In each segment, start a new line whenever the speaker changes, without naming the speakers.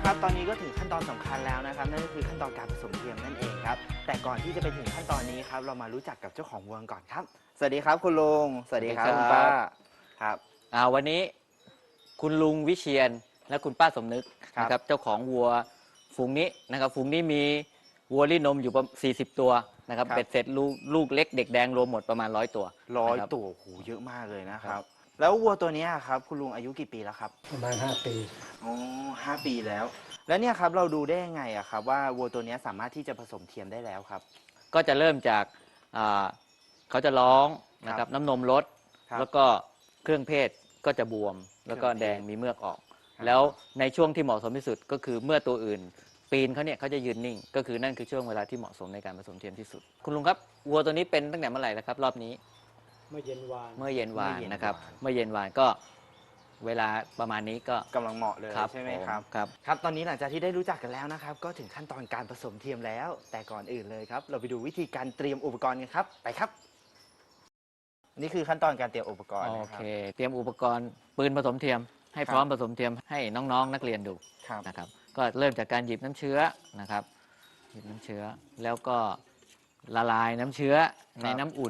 ครับตอนนี้ก็ถึงขั้นตอนสำคัญแล้วนะครับนั่นก็คือขั้นตอนการผสมเทียมนั่นเองครับแต่ก่อนที่จะไปถึงขั้นตอนนี้ครับเรามารู้จักกับเจ้าของวัวก่อนครับสวัสดีครับคุณลุงสวัสดีครับคุณป้าครับ
วันนี้คุณลุงวิเชียรและคุณป้าสมนึกนะครับเจ้าของวัวฝูงนี้นะครับฝูงนี้มีวัวลี้นมอยู่ประมาณ40 ตัวนะครับเป็ดเสร็จลูกเล็กเด็กแดงรวมหมดประมาณ100 ตัว
100 ตัวโหเยอะมากเลยนะครับแล้ววัวตัวนี้ครับคุณลุงอายุกี่ปีแล้วครับ
ประมาณ5 ปี
อ๋อ5 ปีแล้วเนี่ยครับเราดูได้ยังไงอะครับว่าวัวตัวนี้สามารถที่จะผสมเทียมได้แล้วครับ
ก็จะเริ่มจากเขาจะร้องนะครับน้ำนมลดแล้วก็เครื่องเพศก็จะบวมแล้วก็แดงมีเมือกออกแล้วในช่วงที่เหมาะสมที่สุดก็คือเมื่อตัวอื่นปีนเขาจะยืนนิ่งก็คือนั่นคือช่วงเวลาที่เหมาะสมในการผสมเทียมที่สุดคุณลุงครับวัวตัวนี้เป็นตั้งแต่เมื่อไหร่แล้วครับรอบนี้
เมื่อเย็นวาน
นะครับเมื่อเย็นวานก็เวลาประมาณนี้ก็
กำลังเหมาะเลยใช่ไหมครับครับตอนนี้หลังจากที่ได้รู้จักกันแล้วนะครับก็ถึงขั้นตอนการผสมเทียมแล้วแต่ก่อนอื่นเลยครับเราไปดูวิธีการเตรียมอุปกรณ์กันครับไปครับนี่คือขั้นตอนการเตรียมอุปกรณ์
โอเคเตรียมอุปกรณ์ปืนผสมเทียมให้พร้อมผสมเทียมให้น้องๆนักเรียนดูนะครับก็เริ่มจากการหยิบน้ำเชื้อนะครับหยิบน้ำเชื้อแล้วก็ละลายน้ำเชื้อในน้ำอุ่น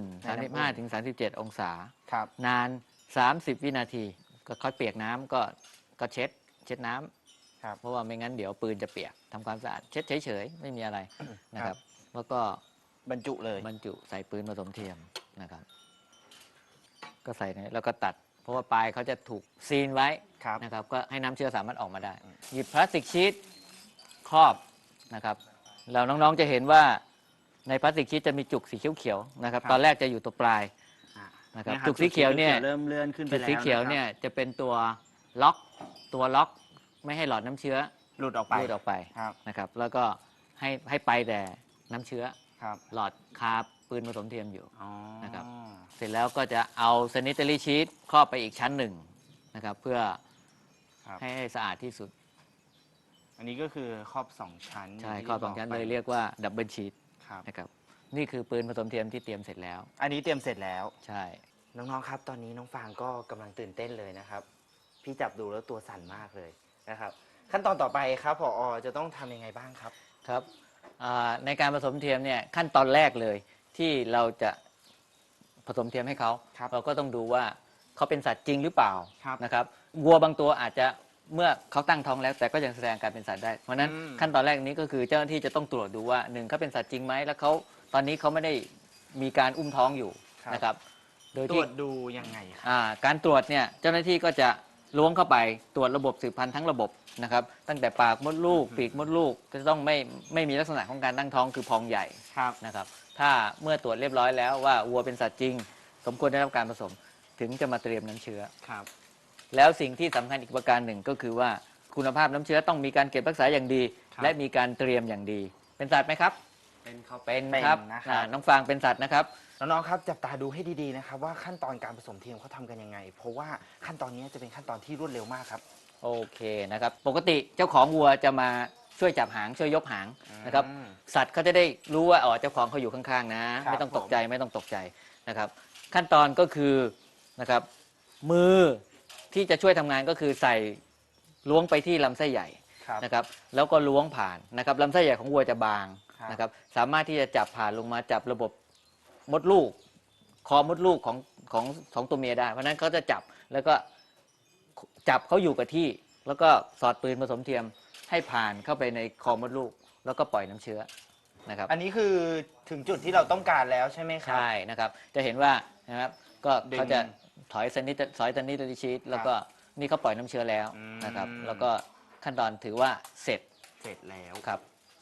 35-37 องศานาน30 วินาทีก็ค่อยเปียกน้ำก็เช็ดน้ำเพราะว่าไม่งั้นเดี๋ยวปืนจะเปียกทำความสะอาดเช็ดเฉยๆไม่มีอะไรนะครับแล้วก็
บรรจุ
ใส่ปืนผสมเทียมนะครับก็ใส่แล้วก็ตัดเพราะว่าปลายเขาจะถูกซีนไว้นะครับก็ให้น้ำเชื้อสามารถออกมาได้หยิบพลาสติกชีทครอบนะครับแล้วน้องๆจะเห็นว่าในพลาสติกชีทจะมีจุกสีเขียวๆนะครับตอนแรกจะอยู่ตัวปลายนะครับจุกสีเขียวเนี่ย
เริ่มเลื่อนขึ้นไปแล้ว
จุกสีเขียวเนี่ยจะเป็นตัวล็อกไม่ให้หลอดน้ำเชื้อ
หลุดออกไป
นะครับแล้วก็ให้ไปแต่น้ำเชื้อหลอดคาปืนผสมเทียมอยู่นะครับเสร็จแล้วก็จะเอาซานิเตอรี่ชีทครอบไปอีกชั้นหนึ่งนะครับเพื่อให้สะอาดที่สุด
อันนี้ก็คือครอบ2 ชั้น
ใช่ครอบ2 ชั้นเลยเรียกว่าดับเบิลชีทนะครับนี่คือปืนผสมเทียมที่เตรียมเสร็จแล้ว
อันนี้เตรียมเสร็จแล้ว
ใช่
น้องๆครับตอนนี้น้องฟางก็กำลังตื่นเต้นเลยนะครับพี่จับดูแล้วตัวสั่นมากเลยนะครับขั้นตอนต่อไปครับผอ.จะต้องทำยังไงบ้างครับ
ครับในการผสมเทียมเนี่ยขั้นตอนแรกเลยที่เราจะผสมเทียมให้เขาเราก็ต้องดูว่าเขาเป็นสัตว์จริงหรือเปล่านะครับวัวบางตัวอาจจะเมื่อเขาตั้งท้องแล้วแต่ก็ยังแสดงการเป็นสัตว์ได้เพราะนั้นขั้นตอนแรกนี้ก็คือเจ้าหน้าที่จะต้องตรวจดูว่า1เขาเป็นสัตว์จริงไหมแล้วเขาตอนนี้เขาไม่ได้มีการอุ้มท้องอยู่นะครับ
โดยตรวจดูยังไง
การตรวจเนี่ยเจ้าหน้าที่ก็จะล้วงเข้าไปตรวจระบบสืบพันธุ์ทั้งระบบนะครับตั้งแต่ปากมดลูกปีกมดลูกจะต้องไม่มีลักษณะของการตั้งท้องคือพองใหญ่นะครับถ้าเมื่อตรวจเรียบร้อยแล้วว่าวัวเป็นสัตว์จริงสมควรได้รับการผสมถึงจะมาเตรียมน้ำเชื้อแล้วสิ่งที่สำคัญอีกประการหนึ่งก็คือว่าคุณภาพน้ำเชื้อต้องมีการเก็บรักษาอย่างดีและมีการเตรียมอย่างดีเป็นสัตว์ไหมครับเป็นครับน้องฟางเป็นสัตว์นะครับ
น้องๆครับจับตาดูให้ดีๆนะครับว่าขั้นตอนการผสมเทียมเขาทำกันยังไงเพราะว่าขั้นตอนนี้จะเป็นขั้นตอนที่รวดเร็วมากครับ
โอเคนะครับปกติเจ้าของวัวจะมาช่วยจับหางช่วยยกหางนะครับสัตว์เขาจะได้รู้ว่าเจ้าของเขาอยู่ข้างๆนะไม่ต้องตกใจนะครับขั้นตอนก็คือนะครับมือที่จะช่วยทำงานก็คือใส่ล้วงไปที่ลำไส้ใหญ่นะครับแล้วก็ล้วงผ่านนะครับลำไส้ใหญ่ของวัวจะบางนะครับสามารถที่จะจับผ่านลงมาจับระบบมดลูกคอมดลูกของตัวเมียได้เพราะนั้นเขาจะจับแล้วก็จับเขาอยู่กับที่แล้วก็สอดปืนผสมเทียมให้ผ่านเข้าไปในคอมดลูกแล้วก็ปล่อยน้ำเชื้อนะครับ
อันนี้คือถึงจุดที่เราต้องการแล้วใช่ไหมครับ
ใช่นะครับจะเห็นว่านะครับก็เขาจะถอยสนิทชีทแล้วก็นี่เขาปล่อยน้ำเชื้อแล้วนะครับแล้วก็ขั้นตอนถือว่าเสร็จ
แล้ว
ครับ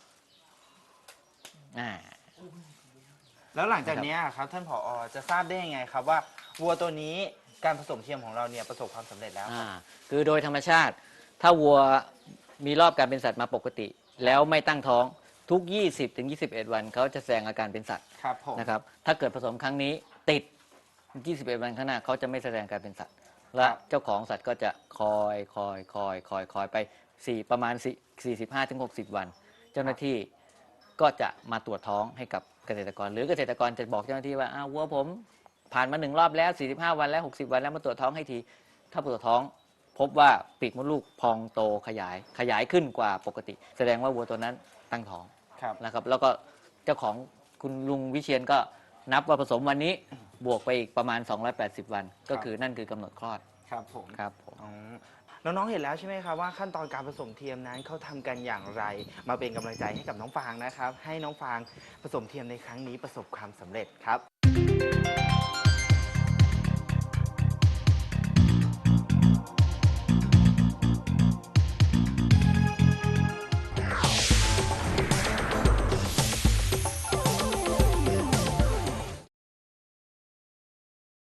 แล้วหลังจากนี้ครับท่านผอ.จะทราบได้ยังไงครับว่าวัวตัวนี้การผสมเทียมของเราเนี่ยประสบความสำเร็จแล้ว
คือโดยธรรมชาติถ้าวัวมีรอบการเป็นสัตว์มาปกติแล้วไม่ตั้งท้องทุก 20-21 วันเขาจะแสดงอาการเป็นสัตว์นะครับถ้าเกิดผสมครั้งนี้ติด 21 วันข้างหน้าเขาจะไม่แสดงการเป็นสัตว์และเจ้าของสัตว์ก็จะคอยไปประมาณ 45-60 วันเจ้าหน้าที่ก็จะมาตรวจท้องให้กับเกษตรกรหรือเกษตรกรจะบอกเจ้าหน้าที่ว่าวัวผมผ่านมา1 รอบแล้ว45 วันแล้ว60 วันแล้วมาตรวจท้องให้ทีถ้าตรวจท้องพบว่าปีกมดลูกพองโตขยายขึ้นกว่าปกติ แสดงว่าวัวตัวนั้นตั้งท้อง
ครับ
นะครับแล้วก็เจ้าของคุณลุงวิเชียนก็นับว่าผสมวันนี้บวกไปอีกประมาณ 280 วัน ก็คือนั่นคือกำหนดคลอด
ครับผม
ครับผม
อ๋อน้องๆเห็นแล้วใช่ไหมครับว่าขั้นตอนการผสมเทียมนั้นเขาทำกันอย่างไร มาเป็นกำลังใจให้กับน้องฟางนะครับ ให้น้องฟางผสมเทียมในครั้งนี้ประสบความสำเร็จครับ